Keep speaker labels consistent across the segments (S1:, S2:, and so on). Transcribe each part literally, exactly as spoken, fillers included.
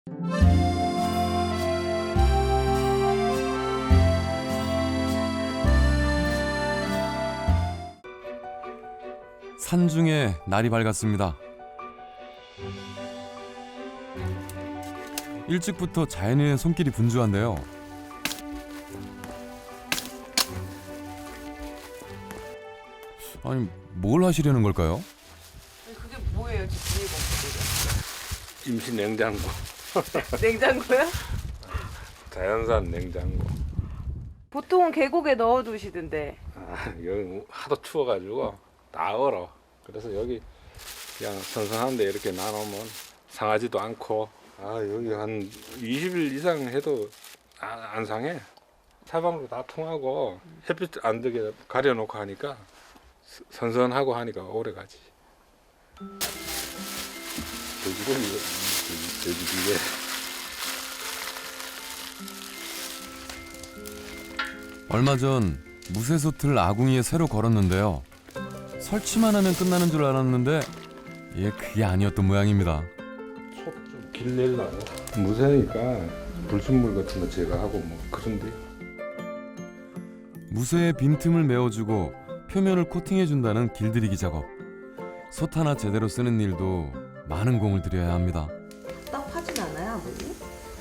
S1: 산중에 날이 밝았습니다. 일찍부터 자연인의 손길이 분주한데요. 아니, 뭘 하시려는 걸까요?
S2: 그게 뭐예요? 지금
S3: 임시 냉장고.
S2: 냉장고요?
S3: 자연산 냉장고.
S2: 보통은 계곡에 넣어두시던데.
S3: 아, 여기 하도 추워가지고 다 얼어. 그래서 여기 그냥 선선한데 이렇게 놔놓으면 상하지도 않고. 아, 여기 한 이십 일 이상 해도 아, 안 상해. 사방으로 다 통하고 햇빛 안 들게 가려놓고 하니까 선선하고 하니까 오래 가지. 돼지고기, 돼지고기.
S1: 얼마 전 무쇠솥을 아궁이에 새로 걸었는데요. 설치만 하면 끝나는 줄 알았는데 예, 그게 아니었던 모양입니다.
S3: 속 좀 길내려고. 무쇠니까 불순물 같은 거 제거하고 뭐 그런데.
S1: 무쇠의 빈틈을 메워주고 표면을 코팅해준다는 길들이기 작업. 솥 하나 제대로 쓰는 일도 많은 공을 들여야 합니다.
S2: 답답하진 않아요, 아버님?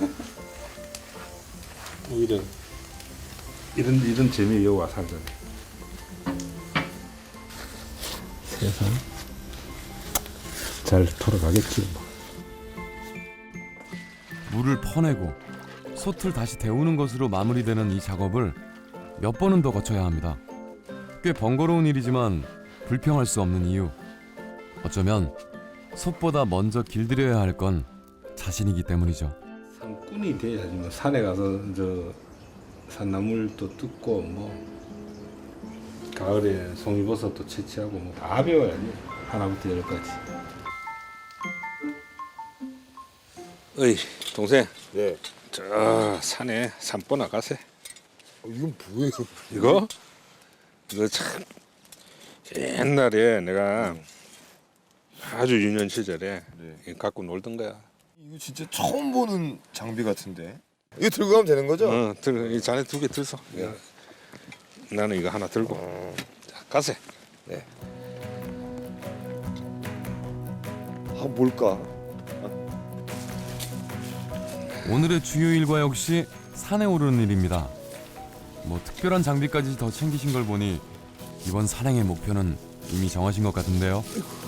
S3: 오히려 이런 이런 재미 여기 와서 살잖아. 세상 잘 돌아가겠지 뭐.
S1: 물을 퍼내고 솥을 다시 데우는 것으로 마무리되는 이 작업을 몇 번은 더 거쳐야 합니다. 꽤 번거로운 일이지만 불평할 수 없는 이유. 어쩌면 솥보다 먼저 길들여야 할 건 자신이기 때문이죠.
S3: 산꾼이 돼야지 뭐. 산에 가서 저 산나물도 뜯고 뭐 가을에 송이버섯도 채취하고 뭐 다 배워야지. 하나부터 열까지. 어이 동생.
S4: 네.
S3: 저 산에 산보나 가세.
S4: 어, 이건 뭐예요?
S3: 이거? 이거 참 옛날에 내가 아주 유년 시절에
S4: 네.
S3: 갖고 놀던 거야.
S4: 이거 진짜 처음 보는 장비 같은데. 이거 들고 가면 되는 거죠?
S3: 어, 들, 이 잔에 두 개 들서.
S4: 네.
S3: 나는 이거 하나 들고.
S4: 어.
S3: 자, 가세.
S4: 네. 아 뭘까?
S1: 오늘의 주요 일과 역시 산에 오르는 일입니다. 뭐 특별한 장비까지 더 챙기신 걸 보니 이번 산행의 목표는 이미 정하신 것 같은데요.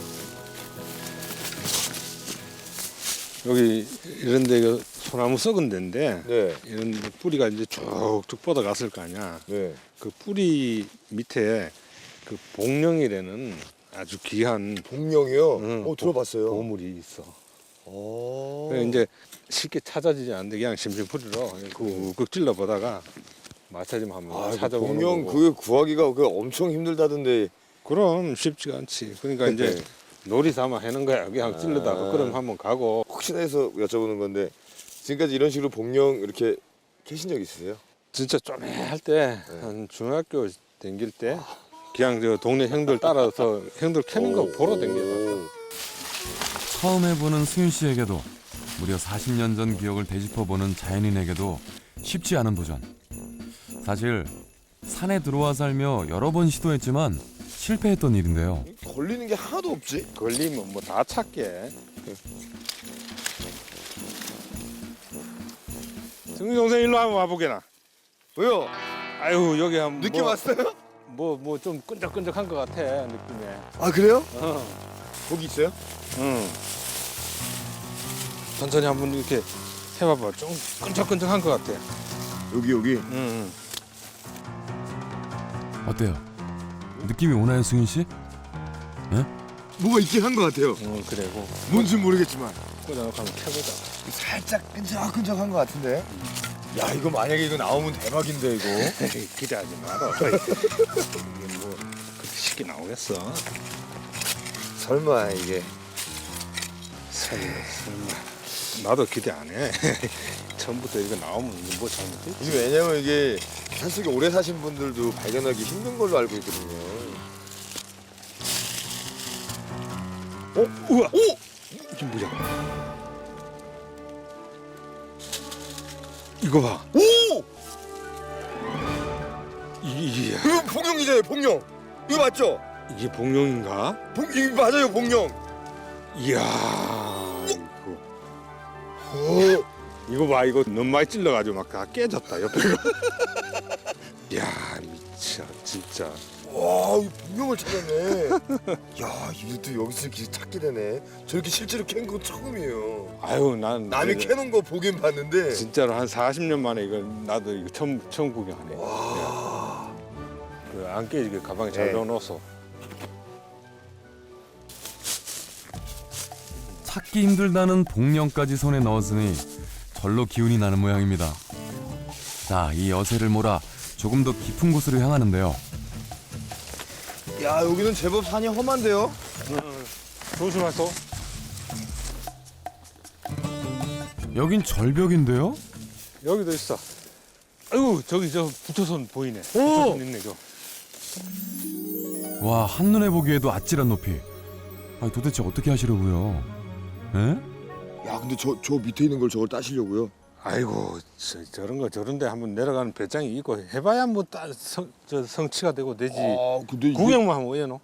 S3: 여기 이런 데가 소나무 썩은 데인데
S4: 네.
S3: 이런 뿌리가 이제 쭉쭉 뻗어갔을 거 아니야.
S4: 네.
S3: 그 뿌리 밑에 그 복령이라는 아주 귀한
S4: 복령이요?
S3: 응,
S4: 어 들어봤어요.
S3: 보물이 있어.
S4: 어.
S3: 그래 이제 쉽게 찾아지지 않는데 그냥 심심풀이로 꾹꾹 찔러 보다가 마찰좀 한번
S4: 아, 그
S3: 찾아보는
S4: 복령
S3: 거고.
S4: 그게 구하기가 그 엄청 힘들다던데.
S3: 그럼 쉽지가 않지. 그러니까 이제
S4: 네.
S3: 놀이 삼아 하는 거야. 그냥 찔러다가
S4: 아.
S3: 그럼 한번 가고.
S4: 혹시나 해서 여쭤보는 건데 지금까지 이런 식으로 복령 이렇게 캐신 적 있으세요?
S3: 진짜 쪼매할 때
S4: 네.
S3: 한 중학교 다닐 때 그냥 저 동네 형들 따라서 형들 캐는 거 보러 다녀봤어.
S1: 처음 해보는 수윤 씨에게도 무려 사십 년 전 기억을 되짚어보는 자연인에게도 쉽지 않은 도전. 사실 산에 들어와 살며 여러 번 시도했지만 실패했던 일인데요.
S4: 걸리는 게 하나도 없지?
S3: 걸리면 뭐 다 찾게. 승희 동생 일로 한번 와보게나.
S4: 왜요?
S3: 아유 여기 한번
S4: 느낌 왔어요?
S3: 뭐뭐 좀 끈적끈적한 것 같아 느낌에.
S4: 아 그래요?
S3: 어,
S4: 거기 있어요?
S3: 응. 천천히 한번 이렇게 해봐봐. 좀 끈적끈적한 것 같아.
S4: 여기 여기.
S3: 응. 응.
S1: 어때요? 느낌이 오나요, 수윤 씨?
S4: 뭐가 있긴 한 것 같아요.
S3: 응, 그래고
S4: 뭔지 모르겠지만
S3: 꽂아놓고 한번 켜보자.
S4: 살짝 끈적끈적한 것 같은데. 야 이거 만약에 이거 나오면 대박인데 이거.
S3: 기대하지 마라. 이게 뭐 그렇게 쉽게 나오겠어?
S4: 설마 이게.
S3: 설마, 설마. 나도 기대 안 해. 처음부터 이거 나오면 이게 뭐 잘못됐지?
S4: 이게 왜냐면 이게 산속에 오래 사신 분들도 발견하기 힘든 걸로 알고 있거든요.
S3: 어? 우와! 오! 이게 뭐야? 이거 봐.
S4: 오!
S3: 이, 이게,
S4: 이거 봉룡이잖아요, 봉룡. 이거 맞죠?
S3: 이게 복룡인가?
S4: 봉, 이거 맞아요, 봉룡.
S3: 이야, 이거.
S4: 오.
S3: 이거 봐, 이거 너무 많이 찔러가지고 막 다 깨졌다 옆에가. 이야, 미쳐, 진짜.
S4: 와, 이 봉룡을 찾았네. 야, 이것도 여기서 이렇게 찾게 되네. 저렇게 실제로 캔 거 처음이에요.
S3: 아유, 난
S4: 남이
S3: 이제
S4: 캐놓은 거 보긴 봤는데.
S3: 진짜로 한 사십 년 만에 이거 나도 이거 처음 처음 구경하네.
S4: 와.
S3: 그 안 깨지게 가방에 잘
S4: 네.
S3: 넣어놓았어.
S1: 찾기 힘들다는 복령까지 손에 넣었으니 절로 기운이 나는 모양입니다. 자, 이 여세를 몰아 조금 더 깊은 곳으로 향하는데요.
S4: 야, 여기는 제법 산이 험한데요?
S3: 조심하소.
S1: 여긴 절벽인데요?
S3: 여기도 있어. 아이고, 저기 저 부처선 보이네. 부처선 있네, 저.
S1: 와, 한눈에 보기에도 아찔한 높이. 아니, 도대체 어떻게 하시려고요? 에?
S4: 야, 근데 저, 저 밑에 있는 걸 저걸 따시려고요?
S3: 아이고, 저, 저런 거 저런데 한번 내려가는 배짱이 있고 해봐야 뭐 따, 성, 저 성취가 되고 되지.
S4: 아, 근데 이게-
S3: 구경만 하면 왜노?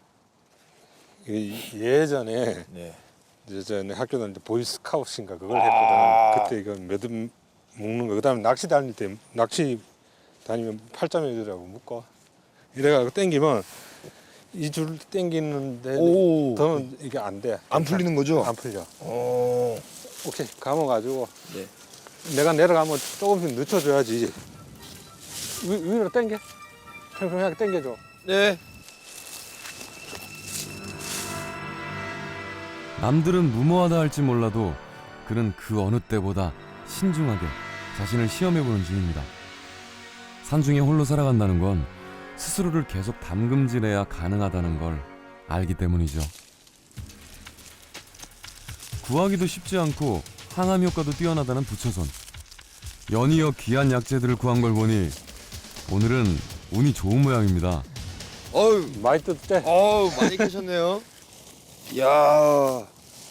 S3: 예전에
S4: 네.
S3: 이제 전에 학교 다닐 때 보이스카우트인가 그걸
S4: 아.
S3: 했거든. 그때 이거 매듭 묶는 거. 그다음에 낚시 다닐 때 낚시 다니면 팔자매들하고 묶어. 이래가지고 땡기면 이 줄 땡기는데
S4: 오.
S3: 더 이게 안 돼.
S4: 안 풀리는 거죠?
S3: 안 풀려.
S4: 어.
S3: 오케이, 감아가지고
S4: 네.
S3: 내가 내려가면 조금씩 늦춰줘야지. 위, 위로 당겨. 평평하게 당겨줘.
S4: 네.
S1: 남들은 무모하다 할지 몰라도 그는 그 어느 때보다 신중하게 자신을 시험해보는 중입니다. 산중에 홀로 살아간다는 건 스스로를 계속 담금질해야 가능하다는 걸 알기 때문이죠. 구하기도 쉽지 않고 항암 효과도 뛰어나다는 부처손. 연이어 귀한 약재들을 구한 걸 보니 오늘은 운이 좋은 모양입니다.
S4: 어유,
S3: 많이 뜯대.
S4: 어우, 많이 캐셨네요. 야.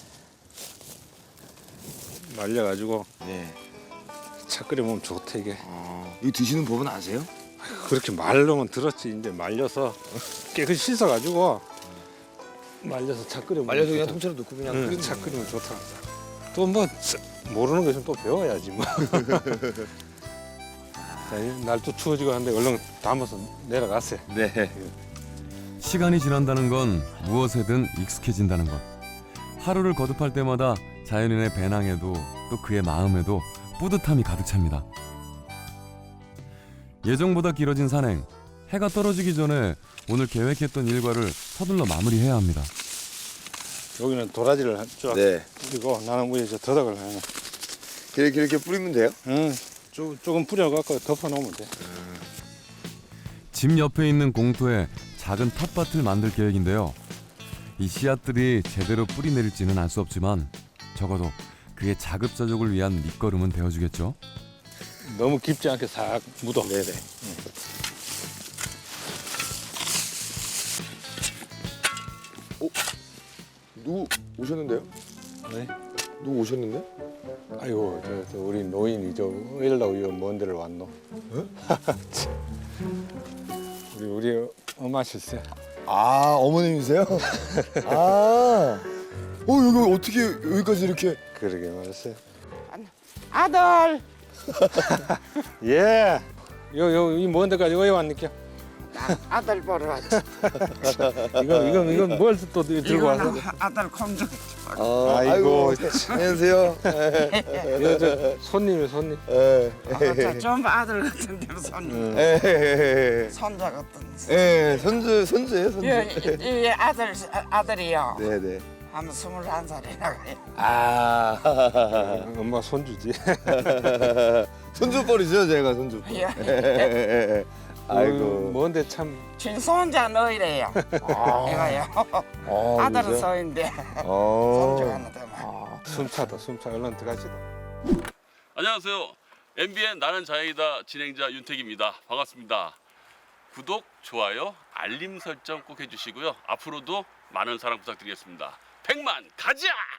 S3: 말려가지고
S4: 네.
S3: 차 끓여 먹으면 좋대 이게.
S4: 어. 이거 드시는 법은 아세요?
S3: 그렇게 말로만 들었지. 이제 말려서 깨끗이 씻어가지고 말려서 차 끓여 먹으면
S4: 말려서 그냥
S3: 좋다.
S4: 통째로 넣고 그냥
S3: 응,
S4: 끓이는
S3: 차
S4: 거예요.
S3: 끓이면 좋다. 또 뭐 모르는 거 있으면 또 배워야지 뭐. 날 또 추워지고 하는데 얼른 담아서 내려갔어요.
S4: 네.
S1: 시간이 지난다는 건 무엇에든 익숙해진다는 것. 하루를 거듭할 때마다 자연인의 배낭에도 또 그의 마음에도 뿌듯함이 가득 찹니다. 예정보다 길어진 산행. 해가 떨어지기 전에 오늘 계획했던 일과를 서둘러 마무리해야 합니다.
S3: 여기는 도라지를 쫙
S4: 네.
S3: 뿌리고 나는 위에 저 더덕을 하나.
S4: 이렇게 이렇게 뿌리면 돼요?
S3: 응, 조, 조금 뿌려갖고 덮어놓으면 돼.
S1: 집 옆에 있는 공터에 작은 텃밭을 만들 계획인데요. 이 씨앗들이 제대로 뿌리 내릴지는 알 수 없지만 적어도 그의 자급자족을 위한 밑거름은 되어주겠죠.
S3: 너무 깊지 않게 싹 묻어.
S4: 네네. 오, 누구 오셨는데요?
S3: 네?
S4: 누구 오셨는데?
S3: 아이고, 저, 저 우리 노인이 저 일로 이먼 데를 왔노. 우리 우리 엄마 실세.
S4: 아, 어머님이세요? 아, 어 여기 어떻게 여기까지 이렇게?
S3: 그러게 말했어요.
S5: 아들
S3: 예. 요 요 이 먼 데까지 왜 왔니까?
S5: 아들 보러 왔지.
S3: 이거 이거 이거 뭘 또 들고 왔어?
S5: 이거는 아들 공주.
S4: 아,
S3: 아이고,
S4: 안녕하세요.
S3: 이거 저 손님이 손님.
S4: 예.
S5: 어, 전부 아들 같은데 손
S3: 응.
S4: 예.
S5: 손자 같은.
S4: 예, 손주 손주예요, 손주.
S5: 이, 이, 이 아들 아들이요.
S4: 네네.
S5: 한 스물한 살이나 가요.
S4: 아,
S3: 엄마 손주지.
S4: 손주뻘이죠, 제가 손주.
S5: 예.
S4: 아이고.
S3: 먼데 참.
S5: 친손자 너희래요. 이거요.
S4: 아,
S5: 아들은
S4: 그러세요?
S5: 서인데
S4: 어.
S5: 손주가 하나더만.
S3: 숨차다 숨차. 얼른 들어가시다.
S6: 안녕하세요. 엠비엔 나는 자연이다 진행자 윤택입니다. 반갑습니다. 구독, 좋아요, 알림 설정 꼭 해주시고요. 앞으로도 많은 사랑 부탁드리겠습니다. 백만 가자!